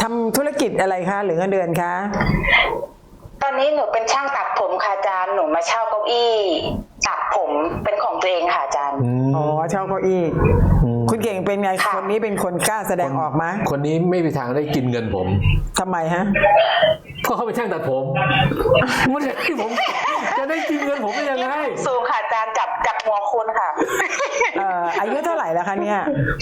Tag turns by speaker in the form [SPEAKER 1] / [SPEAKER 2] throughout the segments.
[SPEAKER 1] ำธุรกิจอะไรคะหรือเงินเดือนคะ
[SPEAKER 2] ตอนนี้หนูเป็นช่างตัดผมค่ะอาจารย์หนูมาเช่าเก้าอี้ตัดผมเป็นของตัวเองค่ะอาจารย์
[SPEAKER 1] อ๋อเช่าเก้าอี้คุณเก่งเป็นไงคนนี้เป็นคนกล้าแสดงออกไหม
[SPEAKER 3] คนนี้ไม่มีทางได้กินเงินผม
[SPEAKER 1] ทำไมฮะ
[SPEAKER 3] เพราะเขาเป็นช่างตัดผมไม่ใช่ผมจะได้กินเงินผมได้ยังไง
[SPEAKER 2] สูงค่ะอาจารย์จับหัวคุณค่ะ
[SPEAKER 1] อายุเท่าไหร่แล้วคะเนี่ย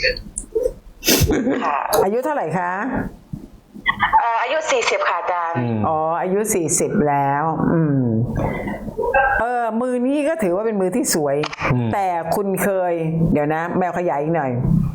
[SPEAKER 1] อายุเท่าไหร่คะ
[SPEAKER 2] อายุ40ค่ะอาจารย์
[SPEAKER 1] อ๋ออายุ40แล้วมือนี้ก็ถือว่าเป็นมือที่สวยแต่คุณเคยเดี๋ยวนะแมวขยายอีกหน่อย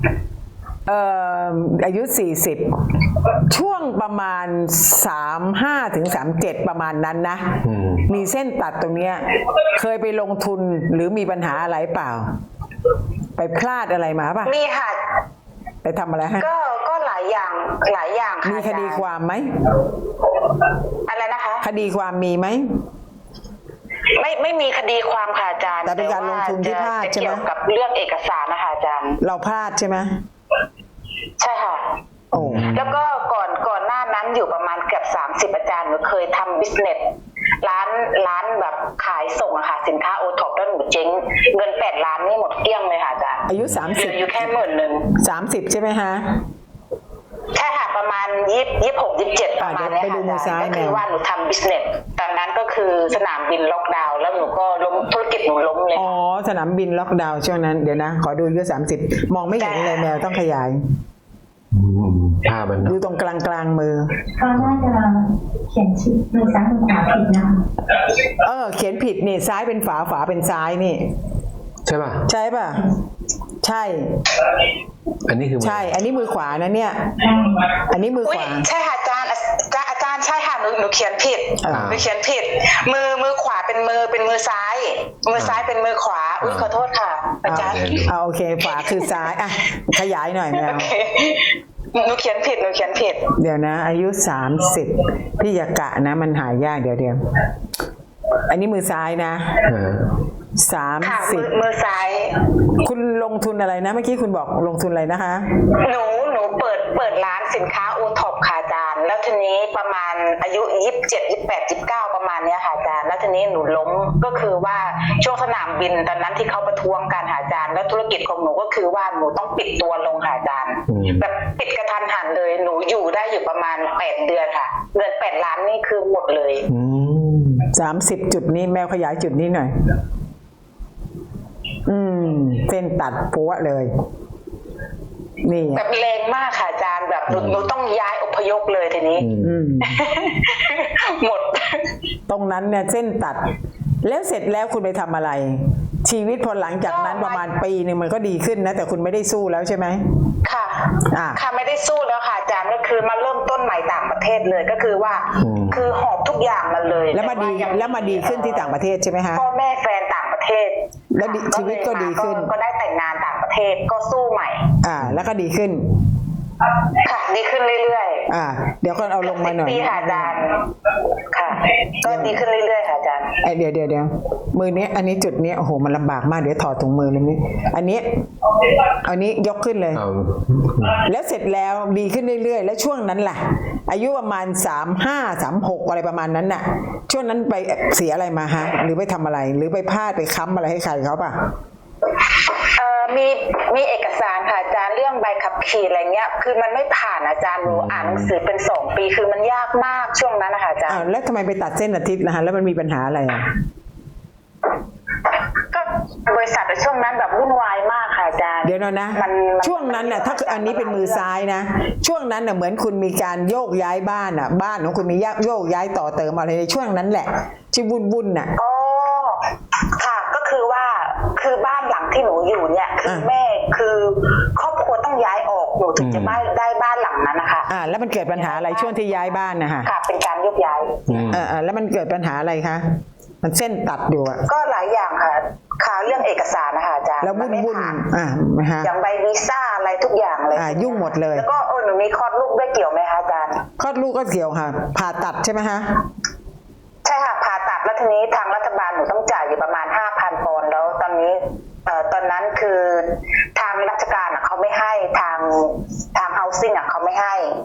[SPEAKER 1] อายุ40ช่วงประมาณ35ถึง37ประมาณนั้นนะมีเส้นตัดตรงเนี้ยเคยไปลงทุนหรือมีปัญหาอะไรเปล่าไปพลาดอะไรมาป่ะ
[SPEAKER 2] มีค่ะ
[SPEAKER 1] ไปทำอะไรฮะ
[SPEAKER 2] ก็หลายอย่างค่ะ
[SPEAKER 1] มีคดีความไหม
[SPEAKER 2] อะไรนะคะ
[SPEAKER 1] คดีความมีไหม
[SPEAKER 2] ไม่มีคดีความค่ะอาจารย์
[SPEAKER 1] แต่เป็นการลงทุนที่พลาดใช่ไหม
[SPEAKER 2] เกี่ยวกับเรื่องเอกสารนะคะอาจารย์
[SPEAKER 1] เราพลาดใช่ไหม
[SPEAKER 2] ใช่ค่ะ
[SPEAKER 1] โอ้
[SPEAKER 2] แล้วก็ก่อนหน้านั้นอยู่ประมาณเกือบ30อาจารย์หนูเคยทำบิสเนสร้านแบบขายส่งอะค่ะสินค้าโอท็อปแล้วหนูเจ๊งเงิน8 ล้านนี่หมดเกลี้ยงเลยค่ะอาจารย์
[SPEAKER 1] อายุ30
[SPEAKER 2] อยู่แค่
[SPEAKER 1] 30ใช่ไหมฮะ
[SPEAKER 2] ใช่ค่ะประมาณ26 27ประมาณนี้ค่ะก็คือว่าหนูทำบิสเนสตอนนั้นก็คือสนามบินล็อกดาวน์แล้วหนูก็ล้มธุรกิจหนูล้มเลย
[SPEAKER 1] อ๋อสนามบินล็อกดาวน์ช่วงนั้นเดี๋ยวนะขอดูอายุ30มองไม่เห็นเลยแมวต้องขยาย
[SPEAKER 3] ภาพมัน
[SPEAKER 1] ดูตรงกลางมือ
[SPEAKER 4] เขาน่าจะเขียนชื่อมือซ้ายมือขวาผิดนะคะ
[SPEAKER 1] เขียนผิดนี่ซ้ายเป็นฝาเป็นซ้ายนี่
[SPEAKER 3] ใช่ป่ะ
[SPEAKER 1] ใช่ป่ะใช่
[SPEAKER 3] อันนี้คือ
[SPEAKER 1] ใช่อันนี้มือขวานะเนี่ยอันนี้มือขวา
[SPEAKER 2] ใช่ค่ะอาจารย์ใช่ค่ะหนูเขียนผิดมือขวาเป็นมือซ้ายเป็นมือขวาอุ้ยขอโทษค่ะอาจารย์
[SPEAKER 1] โอเคขวาคือซ้ายขยายหน่อยแมว
[SPEAKER 2] หนูเขียนผิด
[SPEAKER 1] เดี๋ยวนะอายุ30พี่ยากะนะมันหายากเดี๋ยวอันนี้มือซ้ายนะ30
[SPEAKER 2] มือซ้าย
[SPEAKER 1] คุณลงทุนอะไรนะเมื่อกี้คุณบอกลงทุนอะไรนะคะ
[SPEAKER 2] หนูเปิดร้านสินค้าโอท็อปค่ะอาจารย์แล้วทีนี้ประมาณอายุ27 28 29ประมาณนี้ค่ะอาจารย์แล้วทีนี้หนูล้มก็คือว่าช่วงสนามบินตอนนั้นที่เขาประท้วงกันค่ะอาจารย์แล้วธุรกิจของหนูก็คือว่าหนูต้องปิดตัวลงค่ะอาจารย์แบบปิดกระทันหันเลยหนูอยู่ได้อยู่ประมาณ8 เดือนค่ะเงิน8 ล้านนี่คือหมดเลย
[SPEAKER 1] 30จุดนี้แมวขยายจุดนี้หน่อยเส้นตัดปัวเลยนี่
[SPEAKER 2] แบบแรงมากค่ะอาจารย์แบบหนูต้องย้ายอพยพเลยทีนี้หมด
[SPEAKER 1] ตรงนั้นเนี่ยเส้นตัดแล้วเสร็จแล้วคุณไปทำอะไรชีวิตพอหลังจากนั้นประมาณปีนึงมันก็ดีขึ้นนะแต่คุณไม่ได้สู้แล้วใช่ไหม
[SPEAKER 2] ค่ะค่ะไม่ได้สู้แล้วค่ะอาจารย์ก็คือมาเริ่มต้นใหม่ต่างประเทศเลยก็คือว่าคือหอบทุกอย่างมาเลย
[SPEAKER 1] แล้วมาดีขึ้นที่ต่างประเทศใช่ไหมฮะ
[SPEAKER 2] พ่อแม่แฟนต่างประเทศ
[SPEAKER 1] แล้วชีวิตก็ดีขึ้น
[SPEAKER 2] ก็ได้แต่งงานต่างประเทศก็สู้ใหม่
[SPEAKER 1] แล้วก็ดีขึ้น
[SPEAKER 2] ค่ะดีขึ้นเรื่อย
[SPEAKER 1] เดี๋ยวก็เอาลงมาหน่อย
[SPEAKER 2] ปีค่ะอาจารย์ค่ะก็ดีขึ้นเรื่อยๆค่ะอาจารย์
[SPEAKER 1] เดี๋ยวมือนี้อันนี้จุดนี้โอ้โหมันลำบากมากเดี๋ยวถอดถุงมือเลยนี่อันนี้ยกขึ้นเลยแล้วเสร็จแล้วดีขึ้นเรื่อยๆแล้วช่วงนั้นล่ะอายุประมาณ35 36อะไรประมาณนั้นน่ะช่วงนั้นไปเสียอะไรมาฮะหรือไปทำอะไรหรือไปพลาดไปค้ำอะไรให้ใครเขาป่ะ
[SPEAKER 2] มีเอกสารค่ะอาจารย์เรื่องใบขับขี่อะไรเงี้ยคือมันไม่ผ่านอาจารย์หนูอ่านหนังสือเป็น2 ปีคือมันยากมากช่วงนั้นนะคะอาจารย์
[SPEAKER 1] แล้วทำไมไปตัดเส้นอาทิตย์นะคะแล้วมันมีปัญหาอะไร
[SPEAKER 2] ก็บริษัทในช่วงนั้นแบบวุ่นวายมากค่ะอาจารย์
[SPEAKER 1] เดี๋ยวนะช่วงนั้นน่ะถ้าอันนี้เป็นมือซ้ายนะช่วงนั้นน่ะเหมือนคุณมีการโยกย้ายบ้านอ่ะบ้านของคุณมีโยกย้ายต่อเติมอะไรในช่วงนั้นแหละที่วุ่นน่ะ
[SPEAKER 2] ค่ะก็คือว่าคือบ้านหลังที่หนูอยู่เนี่ยคือแม่คือครอบครัวต้องย้ายออกหนูถึงจะได้บ้านหลังนั้นนะคะ
[SPEAKER 1] แล้วมันเกิดปัญหาอะไรช่วงที่ย้ายบ้านนะคะ
[SPEAKER 2] ค่ะเป็นการยกย้าย
[SPEAKER 1] แล้วมันเกิดปัญหาอะไรคะมันเส้นตัดอยู่
[SPEAKER 2] ก็หลายอย่างค่ะเรื่องเอกสารนะคะอาจารย์
[SPEAKER 1] แล้ววุ่น
[SPEAKER 2] อย่างใบวีซ่าอะไรทุกอย่างเลย
[SPEAKER 1] ยุ่งหมดเลย
[SPEAKER 2] แล้วก็หนูมีคลอดลูกด้วยเกี่ยวไหมคะอาจารย์
[SPEAKER 1] คลอดลูกก็เกี่ยวค่ะผ่าตัดใช่ไหมคะ
[SPEAKER 2] ใช่ค่ะผ่าตัดแล้วทีนี้ทางรัฐบาลหนูต้องจ่ายอยู่ประมาณ 5,000 ปอนด์แล้วตอนนี้ตอนนั้นคือทางราชการเขาไม่ให้ทาง housing เขาไม่ให้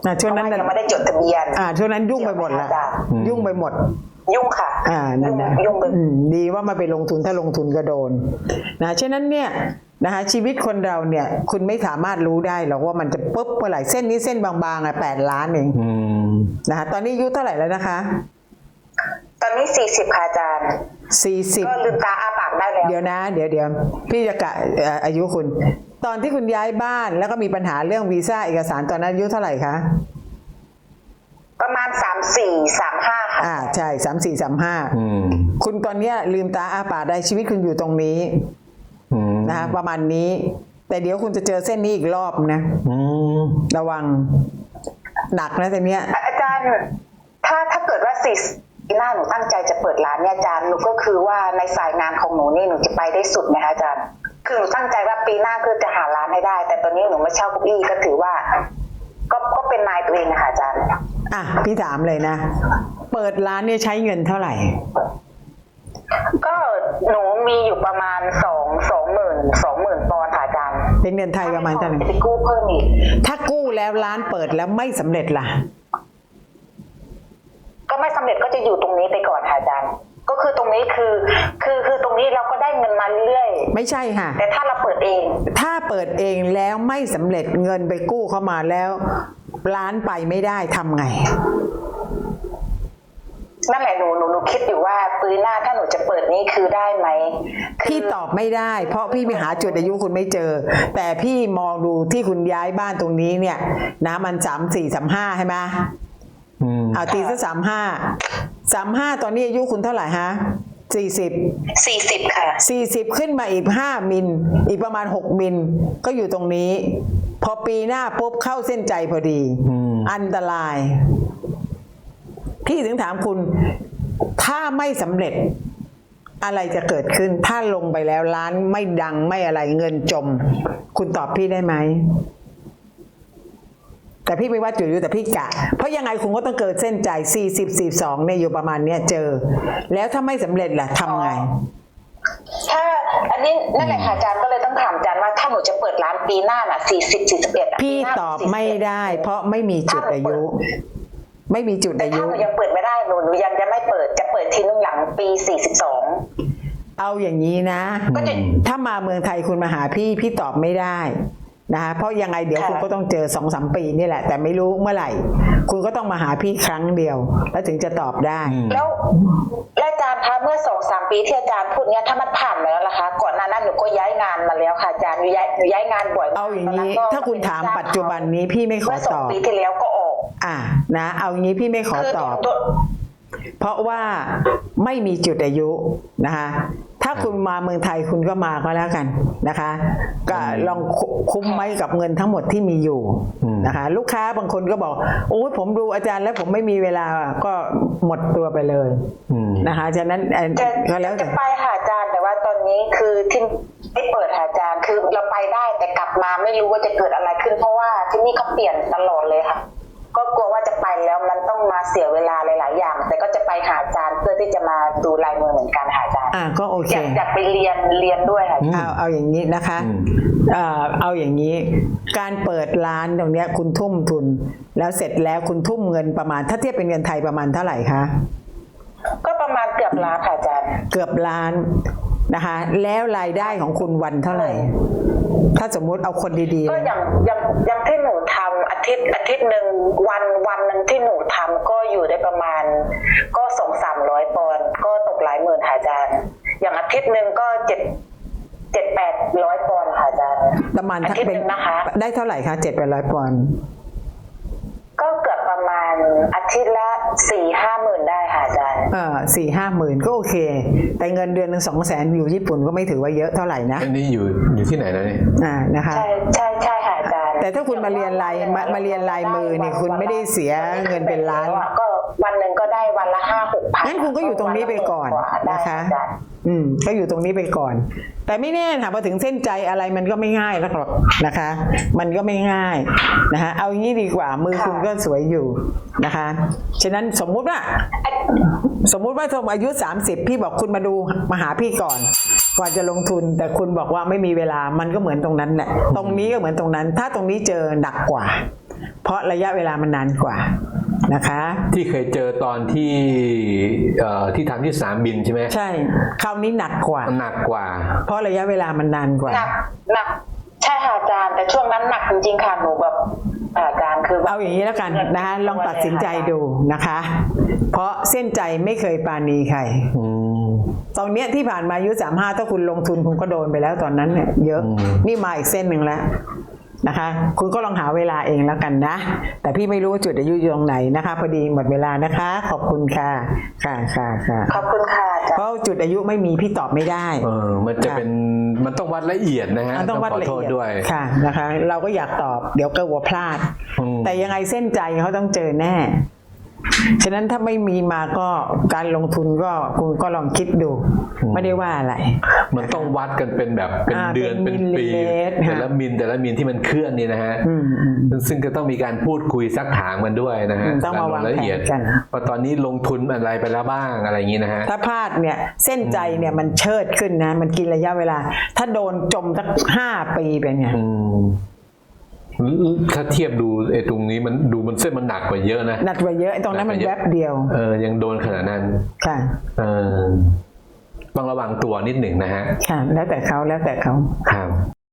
[SPEAKER 1] ช่วงนั้น
[SPEAKER 2] ยังไม่ได้จดทะเบียน
[SPEAKER 1] ช่วงนั้นยุ่งไปหมดละยุ่งไปหมด
[SPEAKER 2] ยุ่งค่ะ
[SPEAKER 1] นั่นนะ
[SPEAKER 2] ยุ่งไป
[SPEAKER 1] ดีว่ามาไปลงทุนถ้าลงทุนก็โดนนะฉะนั้นเนี่ยนะคะชีวิตคนเราเนี่ยคุณไม่สามารถรู้ได้หรอกว่ามันจะปุ๊บเมื่อไหร่เส้นนี้เส้นบางๆ8 ล้านเองนะคะตอนนี้อายุเท่าไหร่แล้วนะคะ
[SPEAKER 2] ตอนนี้40ค่ะอาจารย์
[SPEAKER 1] 40
[SPEAKER 2] ก็ลืมตาอ้าปากได้แล้ว
[SPEAKER 1] เดี๋ยวนะเดี๋ยวพี่จะกะอายุคุณ ตอนที่คุณย้ายบ้านแล้วก็มีปัญหาเรื่องวีซ่าเอกสารตอนนั้นอายุเท่าไหร่คะ
[SPEAKER 2] ประมาณ34-35ค่ะ
[SPEAKER 1] ใช่34-35คุณตอนเนี้ยลืมตาอ้าปากได้ชีวิตคุณอยู่ตรงนี้นะคะประมาณนี้ แต่เดี๋ยวคุณจะเจอเส้นนี้อีกรอบนะระวังหนักนะแต่เนี้ย
[SPEAKER 2] อาจารย์ถ้าเกิดว่าปีหน้าหนูตั้งใจจะเปิดร้านเนี่ยอาจารย์หนูก็คือว่าในสายงานของหนูนี่หนูจะไปได้สุดไหมคะอาจารย์คือหนูตั้งใจว่าปีหน้าคือจะหาร้านให้ได้ แต่ตอนนี้หนูมาเช่าเก้าอี้ก็ถือว่าก็เป็นนายตัวเองนะคะอาจารย์
[SPEAKER 1] พี่ถามเลยนะเปิดร้านเนี่ยใช้เงินเท่าไหร่
[SPEAKER 2] ก็หนูมีอยู่ประมาณ20,000 ปอนด์ค่ะอาจารย์
[SPEAKER 1] เป็นเงินไทยประมาณเท่าไหร่
[SPEAKER 2] ไปกู้เพิ่มอีก
[SPEAKER 1] ถ้ากู้แล้วร้านเปิดแล้วไม่สำเร็จล่ะ
[SPEAKER 2] ก็ไม่สำเร็จก็จะอยู่ตรงนี้ไปก่อนค่ะอาจารย์ก็คือตรงนี้คือตรงนี้เราก็ได้เงินมาเรื่อย
[SPEAKER 1] ไม่ใช่ค่ะ
[SPEAKER 2] แต่ถ้าเราเปิดเอง
[SPEAKER 1] ถ้าเปิดเองแล้วไม่สำเร็จเงินไปกู้เข้ามาแล้วร้านไปไม่ได้ทำไง
[SPEAKER 2] นั่นแหละหนูคิดอยู่ว่าปีหน้าถ้าหนูจะเปิดนี้คือได้ไหม
[SPEAKER 1] พี่ตอบไม่ได้เพราะพี่ไปหาจุดอายุคุณไม่เจอแต่พี่มองดูที่คุณย้ายบ้านตรงนี้เนี่ยนะมัน34-35ใช่ไหมเอาตีซะ35ตอนนี้อายุคุณเท่าไหร่ฮะ40
[SPEAKER 2] ค่ะ
[SPEAKER 1] 40ขึ้นมาอีก5มิลอีกประมาณ6มิลก็อยู่ตรงนี้พอปีหน้าปุ๊บเข้าเส้นใจพอดีอันตรายพี่ถึงถามคุณถ้าไม่สำเร็จอะไรจะเกิดขึ้นถ้าลงไปแล้วร้านไม่ดังไม่อะไรเงินจมคุณตอบพี่ได้ไหมแต่พี่ไม่ว่าจุดอยู่แต่พี่กะเพราะยังไงคุณก็ต้องเกิดเส้นใจ40-42เนี่ยอยู่ประมาณเนี้ยเจอแล้วถ้าไม่สำเร็จล่ะทำไง
[SPEAKER 2] ถ้าอันนี้นั่นแหละค่ะอาจารย์ก็เลยต้องถามอาจารย์ว่าถ้าหนูจะเปิดร้านปีหน้าน่ะ40-41
[SPEAKER 1] พี่ตอบไม่ได้เพราะไม่มีจุดอายุไม่มีจุดอายุ
[SPEAKER 2] แต่ถ้าหนูยังเปิดไม่ได้หนูยังจะไม่เปิดจะเปิดทีนึงหลังปี42
[SPEAKER 1] เอาอย่างนี้นะถ้ามาเมืองไทยคุณมาหาพี่ตอบไม่ได้นะคะเพราะยังไงเดี๋ยวคุณก็ต้องเจอ 2-3 ปีนี่แหละแต่ไม่รู้เมื่อไหร่คุณก็ต้องมาหาพี่ครั้งเดียวแล้วถึงจะตอบได้
[SPEAKER 2] แล้วอาจารย์คะเมื่อ 2-3 ปีที่อาจารย์พูดเนี้ยถ้ามันผ่านมาแล้วล่ะคะก่อนหน้านั้นหนูก็ย้ายงานมาแล้วค่ะอาจารย์หนูย้ายงานบ่อย
[SPEAKER 1] เอาอย่างนี้ถ้าคุณถามปัจจุบันนี้พี่ไม่ขอตอบ
[SPEAKER 2] เมื่อ2 ปีที่แล้วก็ออก
[SPEAKER 1] นะเอาอย่างนี้พี่ไม่ขอตอบเพราะว่าไม่มีจุดอายุนะคะถ้าคุณมาเมืองไทยคุณก็มาก็แล้วกันนะคะก็ลองคุ้มไว้กับเงินทั้งหมดที่มีอยู่นะคะลูกค้าบางคนก็บอกโอ้ยผมดูอาจารย์แล้วผมไม่มีเวลาก็หมดตัวไปเลยนะคะฉะนั้นก็แล้ว
[SPEAKER 2] จะไปหาอาจารย์แต่ว่าตอนนี้คือที่ไม่เปิดหาอาจารย์คือเราไปได้แต่กลับมาไม่รู้ว่าจะเกิดอะไรขึ้นเพราะว่าที่นี่เขาเปลี่ยนตลอดเลยค่ะก็กลัวว่าจะไปแล้วมันต้องมาเสียเวลาหลายๆอย่างแต่ก็จะไปหาอาจารย์เพื่อที่จะมาดูลายมือเหมือนกันหาอาจารย์
[SPEAKER 1] ก็โอเค
[SPEAKER 2] อยากไปเรียนด้วยค่ะ
[SPEAKER 1] เอาอย่างนี้นะคะเอาอย่างนี้การเปิดร้านตรงเนี้ยคุณทุ่มทุนแล้วเสร็จแล้วคุณทุ่มเงินประมาณถ้าเทียบเป็นเงินไทยประมาณเท่าไหร่คะ
[SPEAKER 2] ก็ประมาณเกือบล้านค่ะอาจารย์
[SPEAKER 1] เกือบล้านนะคะแล้วรายได้ของคุณวันเท่าไหร่ถ้าสมมุติเอาคนดี
[SPEAKER 2] ๆก็อย่างที่หนูทำอาทิตย์หนึ่งวันหนึ่งที่หนูทำก็อยู่ได้ประมาณก็200-300 ปอนด์ก็ตกหลายหมื่นค่ะอาจารย์อย่างอาทิตย์หนึ่งก็700-800 ปอนด์ค่ะอาจารย์
[SPEAKER 1] ประมาณ
[SPEAKER 2] อาทิตย์นึงนะคะ
[SPEAKER 1] ได้เท่าไหร่คะ700-800 ปอนด์
[SPEAKER 2] ก็เกือบประมาณอาทิตย์ละ 4-5 หมื่นได้ค่ะอาจารย์
[SPEAKER 1] 4-5 หมื่นก็โอเคแต่เงินเดือนนึง200,000อยู่ญี่ปุ่นก็ไม่ถือว่าเยอะเท่าไหร่นะ
[SPEAKER 3] อันนี้อยู่ที่ไหนนะนี่
[SPEAKER 1] นะคะ
[SPEAKER 2] ใช่ค่ะอาจารย์
[SPEAKER 1] แต่ถ้าคุณมาเรียนลายมือเนี่ยคุณไม่ได้เสียเงินเป็นล้าน
[SPEAKER 2] ก็วันหนึ่งก็ได้วันละ 5-6 พัน
[SPEAKER 1] งั้นคุณก็อยู่ตรงนี้ไปก่อนนะคะก็อยู่ตรงนี้ไปก่อนแต่ไม่แน่ค่ะพอถึงเส้นใจอะไรมันก็ไม่ง่ายหรอกนะคะมันก็ไม่ง่ายนะคะเอาอย่างนี้ดีกว่ามือคุณก็สวยอยู่นะคะฉะนั้นสมมุติว่าอายุ30พี่บอกคุณมาหาพี่ก่อนจะลงทุนแต่คุณบอกว่าไม่มีเวลามันก็เหมือนตรงนั้นแหละตรงนี้ก็เหมือนตรงนั้นถ้าตรงนี้เจอหนักกว่าเพราะระยะเวลามันนานกว่านะคะ
[SPEAKER 3] ที่เคยเจอตอนที่ทำที่สนามบินใช่ไหม
[SPEAKER 1] ใช่คราวนี้หนักกว่า
[SPEAKER 3] หนักกว่า
[SPEAKER 1] เพราะระยะเวลามันนานกว่า
[SPEAKER 2] หนักใช่ค่ะอาจารย์แต่ช่วงนั้นหนักจริงๆค่ะหนูแบบอาจารย์คือแบบ
[SPEAKER 1] เอาอย่างนี้แล้วกันนะคะลองตัดสินใจดูนะคะ เพราะเส้นใจไม่เคยปราณีใคร ตอนเนี้ยที่ผ่านมาอายุ35ถ้าคุณลงทุนคุณก็โดนไปแล้วตอนนั้นเนี่ยเยอะนี่มาอีกเส้นหนึ่งแล้วนะคะ คุณก็ลองหาเวลาเองแล้วกันนะ แต่พี่ไม่รู้ว่าจุดอายุอยู่ตรงไหนนะคะ พอดีหมดเวลานะคะ ขอบคุณค่ะค่ะ
[SPEAKER 2] ขอบคุณค่ะอาจารย์
[SPEAKER 1] เพราะจุดอายุไม่มีพี่ตอบไม่ได้
[SPEAKER 3] มันจะเป็นมันต้องวัดละเอียดนะฮะ
[SPEAKER 1] มันต้องวัด
[SPEAKER 3] ขอ
[SPEAKER 1] ละ
[SPEAKER 3] โทษ
[SPEAKER 1] เอียด
[SPEAKER 3] ด้วย
[SPEAKER 1] ค่ะนะคะ เราก็อยากตอบเดี๋ยวก็กลัวพลาด แต่ยังไงเส้นใจเขาต้องเจอแน่ ฉะนั้นถ้าไม่มีมาก็การลงทุนก็คุณก็ลองคิดดู ไม่ได้ว่าอะไร
[SPEAKER 3] มันต้องวัดกันเป็นแบบเป็นเดือน
[SPEAKER 1] เป็
[SPEAKER 3] เป็น น
[SPEAKER 1] มิลลิ
[SPEAKER 3] ปี
[SPEAKER 1] เมตร
[SPEAKER 3] แต่ละมิลที่มันเคลื่อนนี่นะฮะซึ่งก็ต้องมีการพูดคุยซักถามกันด้วยนะฮะ
[SPEAKER 1] ต้องมาวาง
[SPEAKER 3] ละ
[SPEAKER 1] แผ
[SPEAKER 3] เอียด
[SPEAKER 1] นกัน
[SPEAKER 3] ว่าตอนนี้ลงทุนอะไรไปแล้วบ้างอะไรอย่างนี้นะฮะ
[SPEAKER 1] ถ้าพลาดเนี่ยเส้นใจเนี่ยมันเชิดขึ้นนะ มันกินระยะเวลา ถ้าโดนจมสัก5 ปีเป็นไง
[SPEAKER 3] ถ้าเทียบดูไอ้ตรงนี้มันดูมันเส้นมันหนักกว่าเยอะนะ
[SPEAKER 1] หนักกว่าเยอะไอ้ตรงนั้นมันแวบเดียว
[SPEAKER 3] ยังโดนขนาดนั้น
[SPEAKER 1] ค่ะ
[SPEAKER 3] ต้องระวังตัวนิดหนึ่งนะฮะ
[SPEAKER 1] ค่ะ แล้วแต่เขา
[SPEAKER 3] ครับ